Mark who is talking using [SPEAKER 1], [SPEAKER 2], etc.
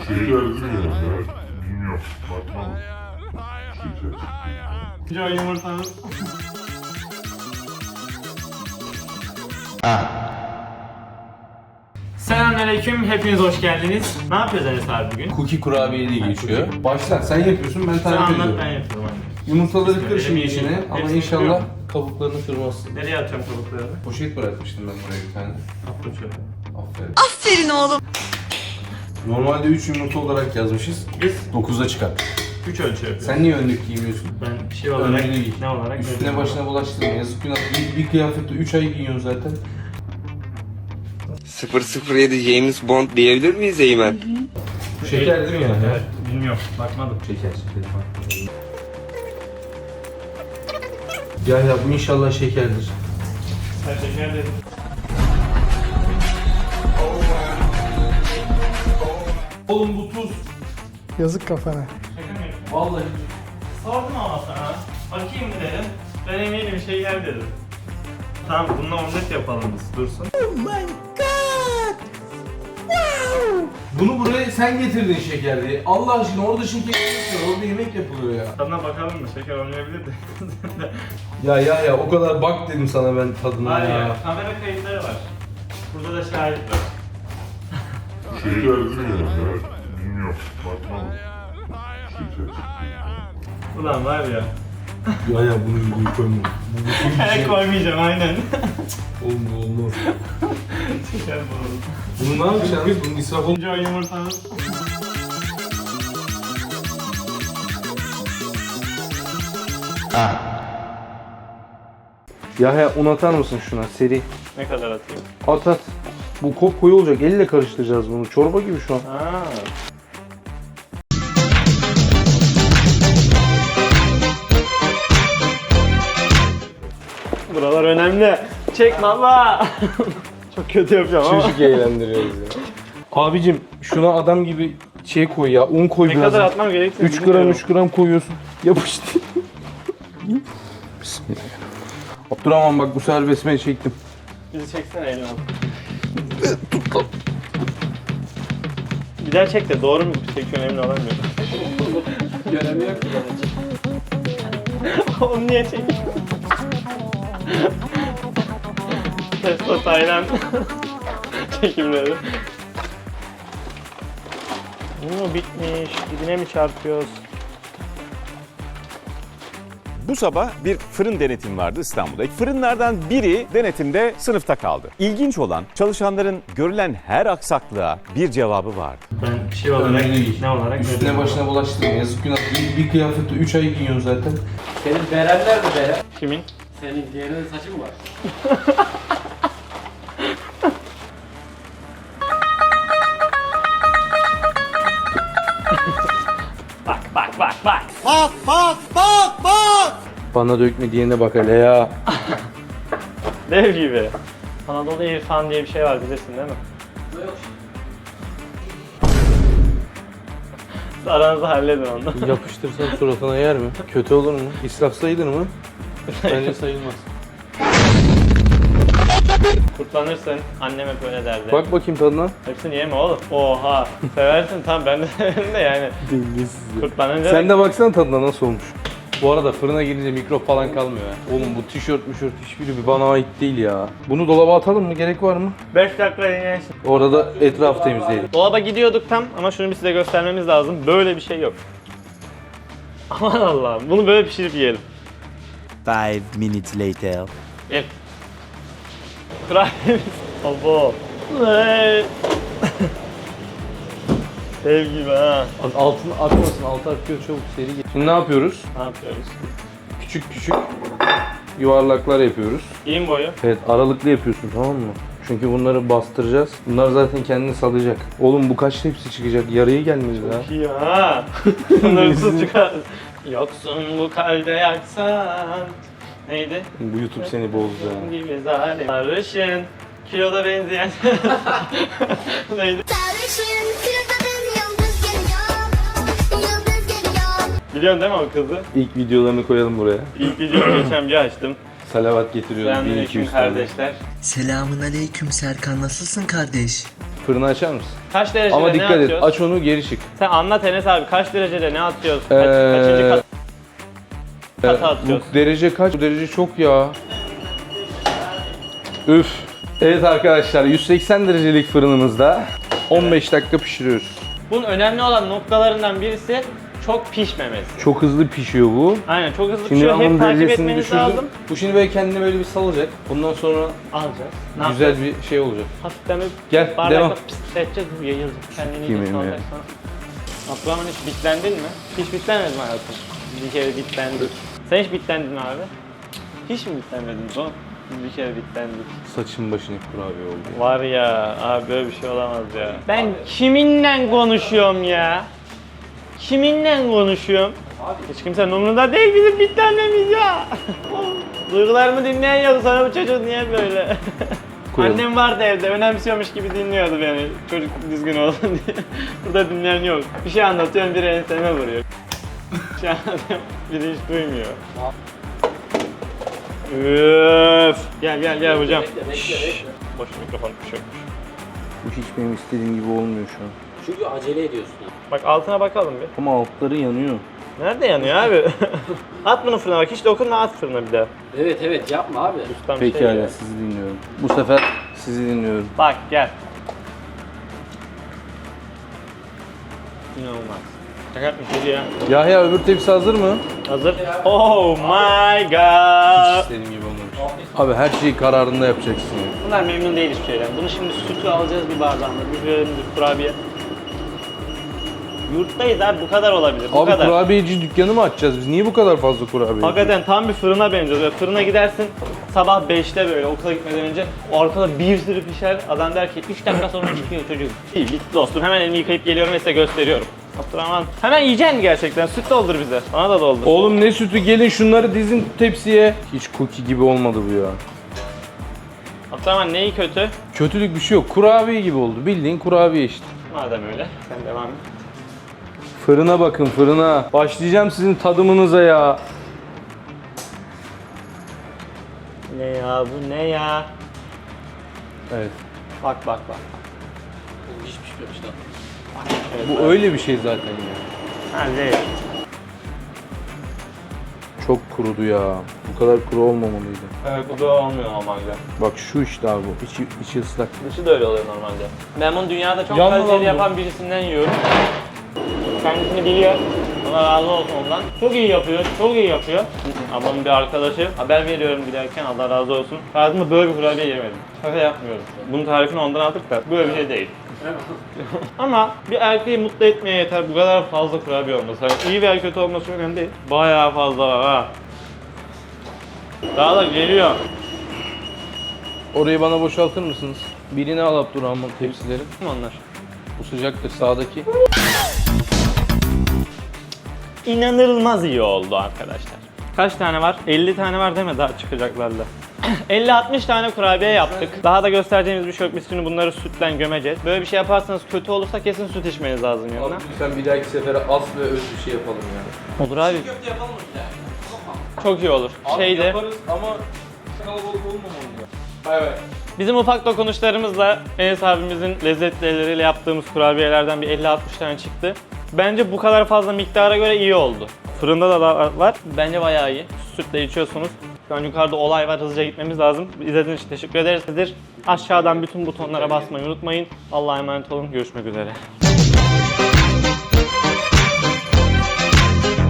[SPEAKER 1] Şeker değil mi ya? Bilmiyorum. Bakmam. Şeker.
[SPEAKER 2] Can yumurtanız. Selamünaleyküm, hepiniz hoş geldiniz. Ne yapıyoruz Enes abi bugün?
[SPEAKER 3] Cookie kurabiye diye geçiyor. Başla, sen yapıyorsun, ben
[SPEAKER 2] Sen
[SPEAKER 3] tarif
[SPEAKER 2] anlat,
[SPEAKER 3] ediyorum.
[SPEAKER 2] ben yapıyorum.
[SPEAKER 3] Yumurtaları kır şimdi
[SPEAKER 2] Hepsini
[SPEAKER 3] içine ama
[SPEAKER 2] hepsini
[SPEAKER 3] inşallah
[SPEAKER 2] kırıyorum.
[SPEAKER 3] kabuklarını kırmazsın.
[SPEAKER 2] Nereye atacağım kabuklarını?
[SPEAKER 3] Poşet bırakmıştım ben buraya bir tane.
[SPEAKER 2] Atla çöpe.
[SPEAKER 3] Aferin.
[SPEAKER 4] Aferin oğlum.
[SPEAKER 3] Normalde 3 yumurta olarak yazmışız.
[SPEAKER 2] Biz
[SPEAKER 3] 9'a çıkar.
[SPEAKER 2] 3 ölçü yapıyoruz.
[SPEAKER 3] Sen niye önlük giymiyorsun?
[SPEAKER 2] Ben şey olarak,
[SPEAKER 3] Önlüğünü giy.
[SPEAKER 2] ne olarak?
[SPEAKER 3] Üstüne başına bulaştırma. Yazık günah. Bir kıyafette 3 ay giyiyorsun zaten.
[SPEAKER 5] 007 James Bond diyebilir miyiz Eymen?
[SPEAKER 3] Şeker değil mi yani?
[SPEAKER 2] Evet, bilmiyorum, bakmadım.
[SPEAKER 3] Şeker. Ya bu inşallah şekerdir.
[SPEAKER 2] Sen şeker dedin.
[SPEAKER 3] Oğlum bu tuz.
[SPEAKER 6] Yazık kafana.
[SPEAKER 2] Şaka mı yapıyorsun?
[SPEAKER 3] Vallahi.
[SPEAKER 2] Sordum ama sana. Bakayım mı dedim. Ben eminim şeker dedim. Tamam, bununla omlet yapalım biz, dursun.
[SPEAKER 3] Bunu buraya sen getirdin şeker diye. Allah aşkına orada şeker yapıyor. Orada yemek yapılıyor ya.
[SPEAKER 2] Tadına bakalım mı? Şeker olmayabilir de.
[SPEAKER 3] Ya o kadar bak dedim sana ben tadına
[SPEAKER 2] Var
[SPEAKER 3] ya.
[SPEAKER 2] ya, kamera kayıtları var. Burada da şahit var.
[SPEAKER 1] Şeker değil mi ya? Bilmiyorum. Bakmam. Şeker.
[SPEAKER 2] Ulan var ya.
[SPEAKER 3] Ya bunu videoyu koyma. Bu bütün bir şey.
[SPEAKER 2] Koymayacağım aynen.
[SPEAKER 3] Oğlum bu olmaz.
[SPEAKER 2] Şeker bulalım.
[SPEAKER 3] Bunu ne yapacaksınız? Bunun israf olmuyor.
[SPEAKER 2] Önce o yumurtanız.
[SPEAKER 3] Ya un atar mısın şuna seri?
[SPEAKER 2] Ne kadar atayım?
[SPEAKER 3] At. Bu kop koyu olacak. Elle karıştıracağız bunu. Çorba gibi şu an.
[SPEAKER 2] Aa. Buralar önemli. Çek baba. Çok kötü yapacağım ama.
[SPEAKER 3] Çocuk eğlendiriyoruz ya. Abicim şuna adam gibi şey koy ya. Un koy
[SPEAKER 2] Ne
[SPEAKER 3] biraz.
[SPEAKER 2] kadar atmam gerektiğini
[SPEAKER 3] 3 gram
[SPEAKER 2] bilmiyorum.
[SPEAKER 3] 3 gram koyuyorsun. Yapıştı. Bismillah. Abdurrahman bak bu sefer besmele çektim.
[SPEAKER 2] Bizi çeksene elini al. Bir daha çek de doğru mu çekiyorsun emin olamıyorum.
[SPEAKER 3] Göremiyor ki.
[SPEAKER 2] Onu niye çekiyorsun? Testo Tayland çekimleri. Bu bitmiş, dibine mi çarpıyoruz?
[SPEAKER 7] Bu sabah bir fırın denetimi vardı İstanbul'da. Fırınlardan biri denetimde sınıfta kaldı. İlginç olan çalışanların görülen her aksaklığa bir cevabı vardı.
[SPEAKER 2] Ben şey olarak,
[SPEAKER 3] Önlüğünü giy.
[SPEAKER 2] ne olarak?
[SPEAKER 3] Üstüne başına bulaştırma. Yazık günah. Bir kıyafette 3 ay giyiyorsun zaten.
[SPEAKER 8] Senin beren nerede beren?
[SPEAKER 2] Kimin?
[SPEAKER 8] Senin diğerinin saçı mı var?
[SPEAKER 3] Bana dökme diyene bak hele ya.
[SPEAKER 2] Dev gibi. Anadolu İrfan diye bir şey var bilirsin değil mi?
[SPEAKER 8] Yok.
[SPEAKER 2] Aranızda halledin onu.
[SPEAKER 3] Yapıştırsam suratına yer mi? Kötü olur mu? İsraf sayılır mı? Bence sayılmaz.
[SPEAKER 2] Kurtlanırsın. Annem hep öyle derdi.
[SPEAKER 3] Bak bakayım tadına.
[SPEAKER 2] Hepsini yeme oğlum. Oha. Seversin tamam ben de severim de yani. Kurtlanınca
[SPEAKER 3] Sen de baksana tadına nasıl olmuş. Bu arada fırına girince mikrop falan kalmıyor ya. Oğlum bu tişört hiçbiri bir bana ait değil ya. Bunu dolaba atalım mı? Gerek var mı?
[SPEAKER 2] 5 dakika dinlensin.
[SPEAKER 3] Orada da etrafı temizleyelim.
[SPEAKER 2] Dolaba gidiyorduk tam ama şunu bir size göstermemiz lazım. Böyle bir şey yok. Aman Allah'ım. Bunu böyle pişirip yiyelim.
[SPEAKER 9] 5 minutes later.
[SPEAKER 2] Gel. Kurabiyemiz. Abo. Hey. Dev gibi ha.
[SPEAKER 3] Altını akmasın, altı akıyor çabuk seri git. Şimdi ne yapıyoruz?
[SPEAKER 2] Ne yapıyoruz?
[SPEAKER 3] Küçük yuvarlaklar yapıyoruz.
[SPEAKER 2] İyiyim boyu.
[SPEAKER 3] Evet aralıklı yapıyorsun tamam mı? Çünkü bunları bastıracağız. Bunlar zaten kendini salacak. Oğlum bu kaç tepsi çıkacak? Yarıya gelmedi daha.
[SPEAKER 2] İyi ha. Sınırsız çıkar. Yoksun bu kalbe yaksan. Neydi?
[SPEAKER 3] Bu YouTube seni bozdu ya.
[SPEAKER 2] Gibi zalim. Sarışın. Kiloda benzeyen. Neydi?
[SPEAKER 4] Sarışın kırmızı yıldız geliyor. Yıldız geliyor.
[SPEAKER 2] Biliyorsun değil mi o kızı?
[SPEAKER 3] İlk videolarını koyalım buraya.
[SPEAKER 2] İlk videomu geçen bir açtım.
[SPEAKER 3] Salavat getiriyoruz.
[SPEAKER 2] Selamünaleyküm
[SPEAKER 3] 1200 tane.
[SPEAKER 2] kardeşler.
[SPEAKER 9] Selamun aleyküm Serkan, nasılsın kardeş?
[SPEAKER 3] Fırını açar mısın?
[SPEAKER 2] Kaç derecede
[SPEAKER 3] Ama
[SPEAKER 2] ne
[SPEAKER 3] dikkat et,
[SPEAKER 2] atıyoruz?
[SPEAKER 3] aç onu geri çık.
[SPEAKER 2] Sen anlat Enes abi, kaç derecede ne atıyoruz? Kaçıncı kata atıyoruz?
[SPEAKER 3] Bu derece kaç? Bu derece çok ya. Üf. Evet arkadaşlar, 180 derecelik fırınımızda 15 dakika pişiriyoruz.
[SPEAKER 2] Bunun önemli olan noktalarından birisi çok pişmemesi.
[SPEAKER 3] Çok hızlı pişiyor bu.
[SPEAKER 2] Aynen, çok hızlı
[SPEAKER 3] Şimdi
[SPEAKER 2] pişiyor.
[SPEAKER 3] ben
[SPEAKER 2] Hep
[SPEAKER 3] bunun
[SPEAKER 2] takip
[SPEAKER 3] derecesini
[SPEAKER 2] etmeniz
[SPEAKER 3] düşürdüm.
[SPEAKER 2] lazım.
[SPEAKER 3] Bu şimdi böyle kendini böyle bir salacak. Bundan sonra
[SPEAKER 2] Alacağız.
[SPEAKER 3] güzel bir şey olacak.
[SPEAKER 2] Hafiften bir
[SPEAKER 3] Gel, devam.
[SPEAKER 2] bardakla pıslatacağız, bu yayılacak. Kendini
[SPEAKER 3] Sikeyim
[SPEAKER 2] iyice
[SPEAKER 3] ya.
[SPEAKER 2] salacak sonra. Abdurrahman, hiç bitlendin mi? Hiç bitlenmedin mi hayatım? Bir kere bitlendik. Sen hiç bitlendin mi abi? Hiç mi bitlenmedin son? Bir kere bitlendik.
[SPEAKER 3] saçın başını kurabiye oldu.
[SPEAKER 2] Var ya abi, böyle bir şey olamaz ya. Ben kiminle konuşuyorum ya? Kiminle konuşuyorum? Hiç kimsenin umurunda değil bizim bitlenmemiz ya. Duygularımı dinleyen yok, sana bu çocuk niye böyle?
[SPEAKER 3] Koyalım.
[SPEAKER 2] Annem vardı evde, önemsiyormuş gibi dinliyordu beni. Çocuk düzgün olsun diye. Burada dinleyen yok. Bir şey anlatıyorum, biri enseme vuruyor. Bir şey anlatıyorum, biri hiç duymuyor. Üf. Gel hocam. Şşş. Boş mikrofon düşüyormuş.
[SPEAKER 3] Bu hiç benim istediğim gibi olmuyor şu an.
[SPEAKER 8] Çünkü acele ediyorsun.
[SPEAKER 2] Bak altına bakalım bir.
[SPEAKER 3] Ama altları yanıyor.
[SPEAKER 2] Nerede yanıyor abi? At bunu fırına bak, hiç dokunma, at fırına bir daha.
[SPEAKER 8] Evet yapma abi.
[SPEAKER 2] Ustam şey
[SPEAKER 3] Pekala,
[SPEAKER 2] ya.
[SPEAKER 3] sizi dinliyorum. Bu sefer sizi dinliyorum.
[SPEAKER 2] Bak gel. İnanılmaz. Şaka yapmış ya.
[SPEAKER 3] Yahya, öbür tepsi hazır mı?
[SPEAKER 2] Hazır. Oh my god.
[SPEAKER 3] İstediğim gibi olmamış. Abi her şeyi kararında yapacaksın.
[SPEAKER 2] Bunlar memnun değil hiçbir şeyden. Bunu şimdi sütü alacağız bir bardağında. Bir kurabiye. Yurttayız abi, bu kadar olabilir. Bu
[SPEAKER 3] Abi
[SPEAKER 2] kadar.
[SPEAKER 3] kurabiyeci dükkanı mı açacağız biz? Niye bu kadar fazla kurabiye?
[SPEAKER 2] Hakikaten tam bir fırına benziyor. Böyle fırına gidersin sabah 5'te böyle okula gitmeden önce, o arkada bir sürü pişer. Adam der ki 3 dakika sonra çıkıyor çocuk. İyi bitti dostum, hemen elimi yıkayıp geliyorum ve size gösteriyorum. Abdurrahman, hemen yiyeceksin gerçekten. Süt doldur bize. Bana da doldur.
[SPEAKER 3] Oğlum ne sütü, gelin şunları dizin tepsiye. Hiç cookie gibi olmadı bu ya.
[SPEAKER 2] Abdurrahman, neyi kötü?
[SPEAKER 3] Kötülük bir şey yok. Kurabiye gibi oldu. Bildiğin kurabiye işte.
[SPEAKER 2] Madem öyle sen devam et.
[SPEAKER 3] Fırına bakın, fırına. Başlayacağım sizin tadımınıza ya.
[SPEAKER 2] Ne ya bu, ne ya?
[SPEAKER 3] Evet.
[SPEAKER 2] Bak.
[SPEAKER 8] Hiç pişmemiş lan.
[SPEAKER 3] Bu öyle bir şey zaten ya.
[SPEAKER 2] Hadi.
[SPEAKER 3] Çok kurudu ya. Bu kadar kuru olmamalıydı.
[SPEAKER 2] Evet, bu da olmuyor normalde.
[SPEAKER 3] Bak şu işte abi bu. İçi ıslak.
[SPEAKER 2] Dışı da öyle oluyor normalde. Ben bunu dünyada çok
[SPEAKER 3] Yanlı lan
[SPEAKER 2] kaliteli
[SPEAKER 3] bu.
[SPEAKER 2] yapan birisinden yiyorum. Kendisini biliyor. Allah razı olsun ondan. Çok iyi yapıyor. Ablamın bir arkadaşı. Haber veriyorum giderken, Allah razı olsun. Hayatımda böyle bir kurabiye yemedim. Şaka yapmıyorum. Bunun tarifini ondan aldık da böyle bir şey değil. Ama bir erkeği mutlu etmeye yeter bu kadar fazla kurabiye olması. Yani iyi veya kötü olması önemli değil. Bayağı fazla var ha. Daha da geliyor.
[SPEAKER 3] Orayı bana boşaltır mısınız? Birini al Abdurrahman tepsileri.
[SPEAKER 2] Kim onlar?
[SPEAKER 3] Bu sıcaktır sağdaki.
[SPEAKER 2] İnanılmaz iyi oldu arkadaşlar. Kaç tane var? 50 tane var deme, daha çıkacaklarla. 50-60 tane kurabiye yaptık. Daha da göstereceğimiz bir şey yok. Biz şimdi bunları sütle gömeceğiz. Böyle bir şey yaparsanız kötü olursa kesin süt içmeniz lazım yanına.
[SPEAKER 3] Abi lütfen bir dahaki sefere az ve öz bir şey yapalım ya.
[SPEAKER 2] Olur abi. Çok iyi olur. Şeyde
[SPEAKER 3] Yaparız ama kalabalık olmamalı ya. Bay bay.
[SPEAKER 2] bizim ufak dokunuşlarımızla Enes abimizin lezzetli elleriyle yaptığımız kurabiyelerden bir 50-60 tane çıktı. Bence bu kadar fazla miktara göre iyi oldu. Fırında da var. Bence bayağı iyi. Sütle içiyorsunuz. Şu an yukarıda olay var. Hızlıca gitmemiz lazım. İzlediğiniz için teşekkür ederiz. Aşağıdan bütün butonlara basmayı unutmayın. Allah'a emanet olun. Görüşmek üzere.